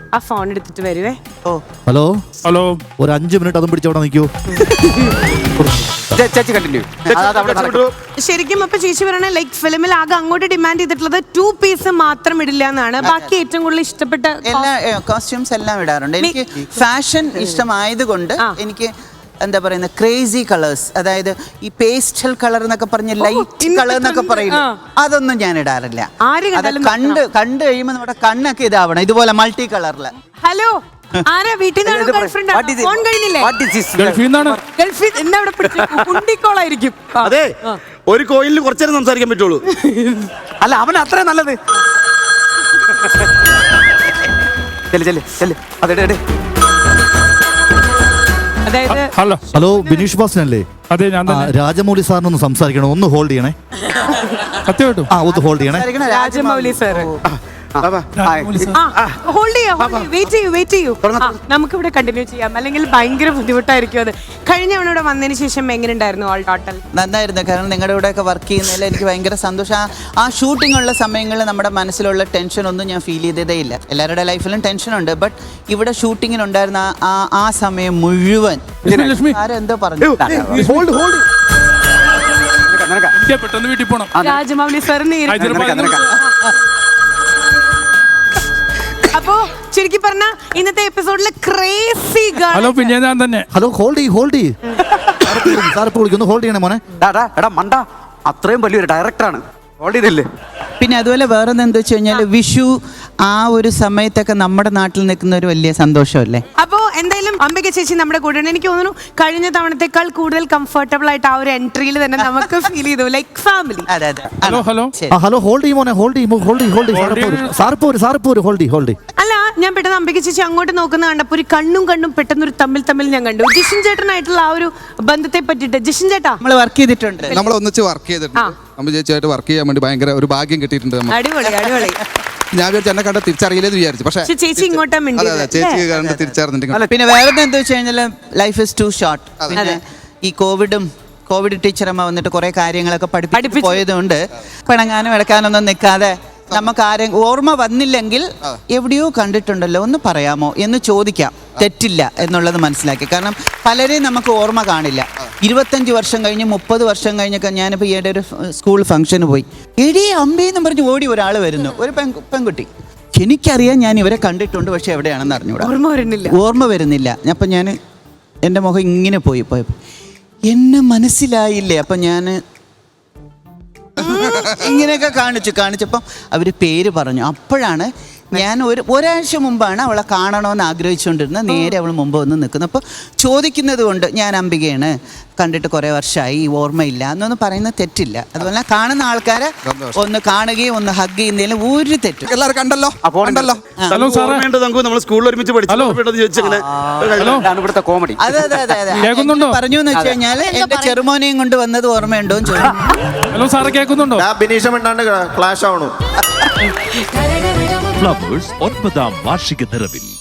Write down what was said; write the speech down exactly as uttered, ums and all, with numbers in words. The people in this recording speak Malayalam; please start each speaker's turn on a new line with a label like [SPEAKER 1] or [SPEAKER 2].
[SPEAKER 1] ആ ഫോൺ എടുത്തിട്ട് വരുവേ.
[SPEAKER 2] ഓ
[SPEAKER 3] ഹലോ
[SPEAKER 4] ഹലോ,
[SPEAKER 3] ഒരു അഞ്ച് മിനിറ്റ് അതും പിടിച്ചവിടെ നിൽക്കൂ.
[SPEAKER 2] ചേച്ചി കണ്ടിന്യൂ.
[SPEAKER 1] ശരിക്കും അപ്പൊ ചേച്ചി പറയണ ലൈക്ക് ഫിലിമിൽ ആകെ അങ്ങോട്ട് ഡിമാൻഡ് ചെയ്തിട്ടുള്ളത് ടു പീസ് മാത്രം ഇടില്ല എന്നാണ്. ബാക്കി ഏറ്റവും കൂടുതൽ ഇഷ്ടപ്പെട്ട
[SPEAKER 2] എല്ലാ കോസ്റ്റ്യൂംസ് എല്ലാം ഇടാറുണ്ട്. എനിക്ക് ഫാഷൻ ഇഷ്ടമായതുകൊണ്ട് എനിക്ക് എന്താ പറയുന്നത് ക്രേസി കളേഴ്സ്, അതായത് ഈ പേസ്റ്റൽ കളർ എന്നൊക്കെ പറഞ്ഞ ലൈറ്റ് കളർ എന്നൊക്കെ പറയില്ല, അതൊന്നും ഞാൻ ഇടാറില്ല. അത് കണ്ട് കണ്ടു കഴിയുമ്പോൾ നമ്മുടെ കണ്ണൊക്കെ ഇതാവണം, ഇതുപോലെ മൾട്ടി കളറില്.
[SPEAKER 1] ഹലോ, ആരാ വീട്ടിൽ നിന്നാണ് ഗേൾഫ്രണ്ട് ഫോൺ കഴിഞ്ഞില്ലേ?
[SPEAKER 4] ഗൾഫിൽ നിന്നാണ്.
[SPEAKER 1] ഗൾഫിൽ എന്താ അവിടെ കുണ്ടിക്കോളായിരിക്കും.
[SPEAKER 5] അതെ, ഒരു കോയിലിന് കുറച്ചേരം സംസാരിക്കാൻ പറ്റുള്ളൂ.
[SPEAKER 2] അല്ല, അവൻ അത്ര നല്ലത്.
[SPEAKER 1] അതായത്
[SPEAKER 4] ഹലോ
[SPEAKER 3] ഹലോ, ബിനീഷ് ബാസനല്ലേ?
[SPEAKER 4] അതെ, ഞാൻ തന്നെ.
[SPEAKER 3] രാജമൗലി സാറിനൊന്ന് സംസാരിക്കണം, ഒന്ന് ഹോൾഡ് ചെയ്യണേ.
[SPEAKER 4] സത്യമായിട്ടും
[SPEAKER 3] ആ, ഒന്ന് ഹോൾഡ് ചെയ്യണേ.
[SPEAKER 1] രാജമൗലി സാർ ഹോൾഡ് ചെയ്യാം, വെയിറ്റ് ചെയ്യൂ വെയിറ്റ് ചെയ്യൂ നമുക്ക് ഇവിടെ കണ്ടിന്യൂ ചെയ്യാം, അല്ലെങ്കിൽ ഭയങ്കര ബുദ്ധിമുട്ടായിരിക്കും അത്. കഴിഞ്ഞ തവണ ഇവിടെ വന്നതിന് ശേഷം എങ്ങനെ ഉണ്ടായിരുന്നു ഓൾ ടോട്ടൽ?
[SPEAKER 2] നന്നായിരുന്നു, കാരണം നിങ്ങളുടെ കൂടെ ഒക്കെ വർക്ക് ചെയ്യുന്നതിൽ എനിക്ക് ഭയങ്കര സന്തോഷം. ആ ഷൂട്ടിംഗ് ഉള്ള സമയങ്ങളിൽ നമ്മുടെ മനസ്സിലുള്ള ടെൻഷൻ ഒന്നും ഞാൻ ഫീൽ ചെയ്തതേ ഇല്ല. എല്ലാവരുടെ ലൈഫിലും ടെൻഷനുണ്ട്, ബട്ട് ഇവിടെ ഷൂട്ടിങ്ങിനുണ്ടായിരുന്ന ആ ആ സമയം മുഴുവൻ ആരെന്തോ പറഞ്ഞു.
[SPEAKER 4] പെട്ടെന്ന് വീട്ടിൽ പോണം.
[SPEAKER 1] രാജമൗലി സാർ അപ്പോ ശരിക്കും പറഞ്ഞ ഇന്നത്തെ എപ്പിസോഡില് ക്രേസി.
[SPEAKER 4] ഹലോ, പിന്നെ ഞാൻ തന്നെ.
[SPEAKER 3] ഹലോ, ഹോൾഡ് ചെയ്യ് ഹോൾഡ് ചെയ്യ് സാർ ഇപ്പോൾ വിളിക്കുന്നു, ഹോൾഡ് ചെയ്യണേ മോനെ.
[SPEAKER 6] എടാ മണ്ട, അത്രയും വലിയൊരു ഡയറക്ടറാണ്, ഹോൾഡ് ചെയ്തില്ലേ?
[SPEAKER 2] പിന്നെ അതുപോലെ വേറെ എന്താ വെച്ച് കഴിഞ്ഞാൽ വിഷു ആ ഒരു സമയത്തൊക്കെ നമ്മുടെ നാട്ടിൽ നിൽക്കുന്ന ഒരു വലിയ സന്തോഷമല്ലേ.
[SPEAKER 1] അപ്പോ എന്തായാലും അംബിക ചേച്ചി നമ്മുടെ കൂടെ ഉണ്ട്. എനിക്ക് തോന്നുന്നു കഴിഞ്ഞ തവണത്തെക്കാൾ കൂടുതൽ കംഫർട്ടബിൾ ആയിട്ട് ആ ഒരു എൻട്രിയിൽ തന്നെ നമുക്ക് ഫീൽ ചെയ്തു, ലൈക്ക് ഫാമിലി.
[SPEAKER 2] അതെ അതെ.
[SPEAKER 4] ഹലോ ഹലോ
[SPEAKER 3] ഹലോ, ഹോൾഡ് ചെയ്യ് മോനെ, ഹോൾഡ് ചെയ്യ് ഹോൾഡ് ചെയ്യ് ഹോൾഡ് ചെയ്യ് സാർ പോര് സാർ പോര് ഹോൾഡ് ചെയ്യ് ഹോൾഡ് ചെയ്യ്.
[SPEAKER 1] അല്ല, ഞാൻ പെട്ടെന്ന് അംബിക ചേച്ചി അങ്ങോട്ട് നോക്കുന്ന കണ്ടപ്പോ ഒരു കണ്ണും കണ്ണും പെട്ടെന്ന് ഒരു തമ്മിൽ തമ്മിൽ ഞാൻ കണ്ടു. ജിഷിൻ ചേട്ടനായിട്ടുള്ള ആ ഒരു ബന്ധത്തെ പറ്റിട്ട്. ജിഷിൻ ചേട്ടാ,
[SPEAKER 2] നമ്മൾ വർക്ക് ചെയ്തിട്ടുണ്ട്,
[SPEAKER 7] നമ്മൾ ഒന്നിച്ച് വർക്ക് ചെയ്തിട്ടുണ്ട്. നമ്മൾ ചേച്ചിയായിട്ട് വർക്ക് ചെയ്യാൻ വേണ്ടി ഭയങ്കര ഒരു ഭാഗ്യം കിട്ടിയിട്ടുണ്ട്.
[SPEAKER 1] അടിപൊളി അടിപൊളി.
[SPEAKER 7] ഞാൻ വിചാരിച്ചു എന്നെ കണ്ട തിരിച്ചറിയില്ലെന്ന് വിചാരിച്ചു, പക്ഷേ
[SPEAKER 1] ചേച്ചി ഇങ്ങോട്ടാ
[SPEAKER 7] ചേച്ചി കണ്ട് തിരിച്ചറിഞ്ഞിട്ടുണ്ട്.
[SPEAKER 2] പിന്നെ വേറെ എന്താ വെച്ച് കഴിഞ്ഞാൽ ലൈഫ് ഇസ് ടു ഷോർട്ട്. പിന്നെ ഈ കോവിഡും കോവിഡ് ടീച്ചറമ്മ വന്നിട്ട് കുറെ കാര്യങ്ങളൊക്കെ പഠിപ്പിച്ച് പോയതുകൊണ്ട് പിണങ്ങാനും ഇടക്കാനൊന്നും നിൽക്കാതെ നമുക്ക് ആരെ ഓർമ്മ വന്നില്ലെങ്കിൽ എവിടെയോ കണ്ടിട്ടുണ്ടല്ലോ ഒന്ന് പറയാമോ എന്ന് ചോദിക്കാം, തെറ്റില്ല എന്നുള്ളത് മനസ്സിലാക്കി. കാരണം പലരെയും നമുക്ക് ഓർമ്മ കാണില്ല. ഇരുപത്തഞ്ച് വർഷം കഴിഞ്ഞ് മുപ്പത് വർഷം കഴിഞ്ഞൊക്കെ ഞാനിപ്പോൾ ഈയിടെ ഒരു സ്കൂൾ ഫംഗ്ഷന് പോയി, എടീ അമ്പേന്ന് പറഞ്ഞ് ഓടി ഒരാൾ വരുന്നു, ഒരു പെൺ പെൺകുട്ടി. എനിക്കറിയാം ഞാൻ ഇവരെ കണ്ടിട്ടുണ്ട്, പക്ഷെ എവിടെയാണെന്ന് അറിഞ്ഞൂടാ,
[SPEAKER 1] ഓർമ്മ വരുന്നില്ല
[SPEAKER 2] ഓർമ്മ വരുന്നില്ല അപ്പം ഞാൻ എൻ്റെ മുഖം ഇങ്ങനെ പോയി പോയപ്പോൾ എന്നെ മനസ്സിലായില്ലേ. അപ്പം ഞാൻ ഇങ്ങനെയൊക്കെ കാണിച്ചു കാണിച്ചപ്പം അവർ പേര് പറഞ്ഞു. അപ്പോഴാണ് ഞാൻ ഒരു ഒരാഴ്ച മുമ്പാണ് അവളെ കാണണമെന്ന് ആഗ്രഹിച്ചുകൊണ്ടിരുന്നത്. നേരെ അവൾ മുമ്പ് വന്ന് നിൽക്കുന്നു. അപ്പോൾ ചോദിക്കുന്നത് കൊണ്ട് ഞാൻ അംബികയാണ്, കണ്ടിട്ട് കുറേ വർഷമായി, ഓർമ്മയില്ല എന്നൊന്നും പറയുന്നത് തെറ്റില്ല. അതുപോലെ കാണുന്ന ആൾക്കാരെ ഒന്ന് കാണുകയും ഒന്ന് ഹഗ് ചെയ്യുന്നതിലും ഒരു തെറ്റും.
[SPEAKER 7] എല്ലാവരും കണ്ടല്ലോ കണ്ടല്ലോ
[SPEAKER 5] നമ്മൾ സ്കൂളിൽ ഒരുമിച്ച്
[SPEAKER 6] ഇവിടുത്തെ കോമഡി.
[SPEAKER 2] അതെ അതെ അതെ അതെ പറഞ്ഞു എന്ന് വെച്ച് കഴിഞ്ഞാൽ എന്റെ ചെറുമോനെയും കൊണ്ട് വന്നത് ഓർമ്മയുണ്ടോ എന്ന് ചോദിച്ചു.
[SPEAKER 4] ഹലോ സാറ് കേൾക്കുന്നുണ്ടോ?
[SPEAKER 5] ബിനീഷ് മിണ്ടാണ്ട് ക്ലാഷ് ആവണു.
[SPEAKER 8] ഫ്ലവേഴ്സ് ഒൻപതാം വാർഷിക നിറവിൽ